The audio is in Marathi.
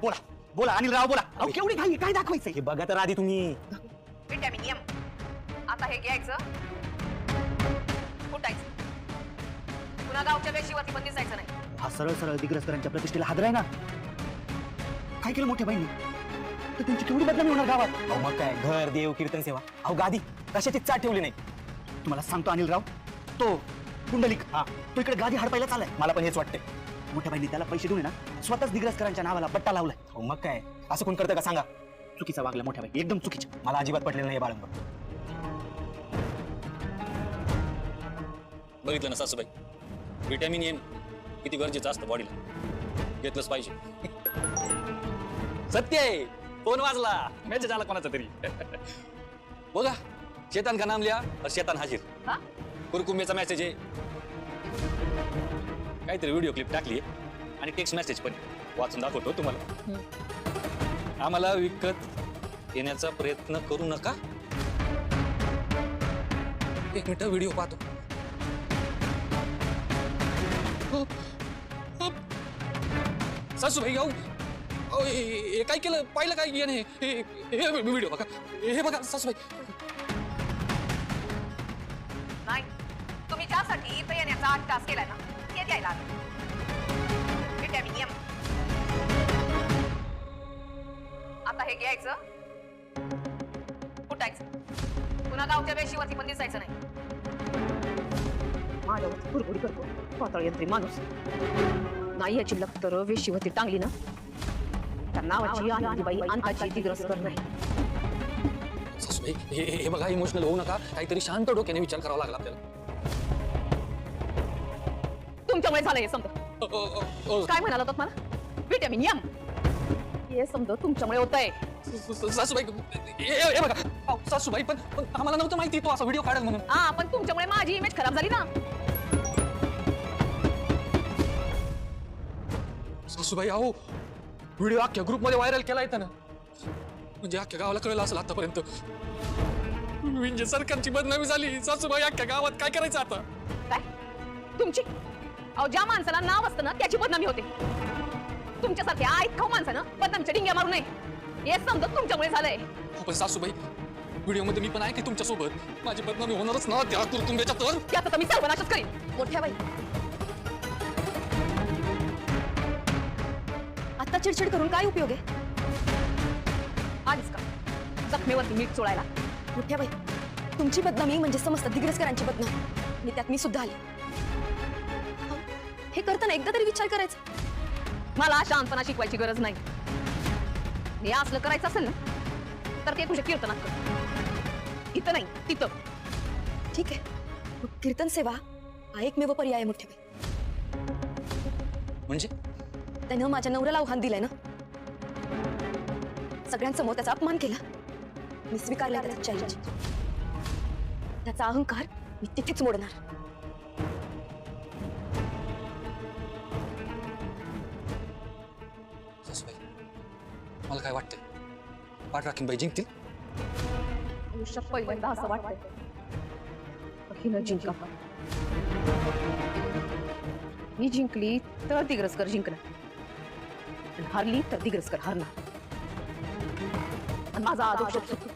बोला बोला अनिल राव बोला. अहो केवढी घाई काय दाखवायचंय? हे बघा तर आधी तुम्ही. Vitamin M. आता हे घ्यायचं, फुटायचं. पुन्हा गावच्या वेशीवरती पण दिसायचं नाही. हा सरळ सरळ दिग्रसकरांच्या प्रतिष्ठेला हादराय ना. काय केलं मोठ्या बाईंनी? तर त्यांची केवढी बदनामी होणार गावात. अहो मग काय, घर देव कीर्तन सेवा. अहो गादी कशाची चाट ठेवली नाही. तुम्हाला सांगतो अनिल राव, तो पुंडलिक हा तो इकडे गादी हडपायला चालाय. मला पण हेच वाटतंय. मोठ्या बाईंनी त्याला पैसे देऊन ना स्वतःच दिग्रसकरांच्या नावाला पट्टा लावलाय. अहो मग काय, असं कोण करतं का सांगा. चुकीचा वागला मोठ्या बाई, एकदम चुकीचं. मला अजिबात पटलेलं नाही बाळंब. बघितलं ना सासूबाई, विटॅमिन एम किती गरजेचं असतं बॉडीला, घेतलंच पाहिजे. सत्य आहे, फोन वाजला, मेसेज आला कोणाचा तरी. बघा, शेतान का नाम लिया और शेतान हाजीर. हा? कुरकुंबेचा मेसेज आहे, काहीतरी व्हिडिओ क्लिप टाकली आणि टेक्स्ट मेसेज पण वाचून दाखवतो तुम्हाला. आम्हाला विकत येण्याचा प्रयत्न करू नका. एक मिनिट व्हिडिओ पाहतो. सासूबाई हे काय केलं, पाहिलं काय याने? व्हिडिओ बघा, हे बघा सासूबाई. नाही, तुम्ही ज्यासाठी इथे येण्याचा 8 तास केलाय ना, ते द्यायला आलं. Vitamin M. आता हे घ्यायचं, फुटायचं. पुन्हा गावच्या वेशीवरती पण दिसायचं नाही. माझ्यावरती कुरकुरी करतो पाताळ यंत्री माणूस. नाही याची लक्तर वेशीवरती टांगली ना, त्या नावाची आनंदीबाई अंताची दिग्रसकर नाही. सासूबाई हे बघा, इमोशनल होऊ नका. काहीतरी शांत डोक्याने विचार करावा लागला आपल्याला. तुमच्यामुळे झालं हे समजा. काय म्हणाला होतात मला? Vitamin M. हे समजा तुमच्यामुळे होतंय. सासूबाई हे बघा, सासूबाई पण आम्हाला नव्हतं माहिती तो असा व्हिडिओ काढेल म्हणून. हा, पण तुमच्यामुळे माझी इमेज खराब झाली ना. सासूबाई अहो, व्हिडिओ अख्ख्या ग्रुपमध्ये व्हायरल केला येतं ना, म्हणजे अख्ख्या गावाला कळलं असेल आतापर्यंत. म्हणजे सरकारची बदनामी झाली. सासूबाई अख्ख्या गावात काय करायचं आता? काय तुमची? अहो, ज्या माणसाला नाव असतं ना त्याची बदनामी होते. तुमच्यासारख्या आईत खाऊ माणसानं बदनामीच्या डिंग्या मारू नये. हे समजत तुमच्यामुळे झालंय. पण सासूबाई, व्हिडिओ मध्ये मी पण आहे की तुमच्या सोबत. माझी बदनामी होणारच ना त्या कुरकुंब्याच्या तर. त्यात आता मी सर्वनाशच करीन. मोठ्या बाई, आता चिडचिड करून काय उपयोग आहे? आलीस का जखमेवरती मीठ चोळायला? मोठ्या बाई, तुमची बदनामी म्हणजे समजतात दिग्रसकरांची बदनामी. आणि त्यात मी सुद्धा आली. हे करताना एकदा तरी विचार करायचा. मला शांतपणा शिकवायची गरज नाही. हे असलं करायचं असेल ना, तर ते तुझ्या कीर्तनात कर. इथं नाही, तिथं. ठीक आहे, मग कीर्तन सेवा हा एकमेव पर्याय आहे मोठ्या बाई. म्हणजे त्यानं माझ्या नवऱ्याला आव्हान दिलंय ना, सगळ्यांसमोर त्याचा अपमान केला. मी स्वीकारला त्याचा चॅलेंज. त्याचा अहंकार मी तिथेच मोडणार. सासूबाई, मला काय वाटतंय, पाठराखीनबाई जिंकतील? आयुष्यात पहिल्यांदा असं वाटतंय हिनं जिंकावं. ही जिंकली तर दिग्रसकर जिंकणार, आणि हरली तर दिग्रसकर हरणार. आणि माझा आदोष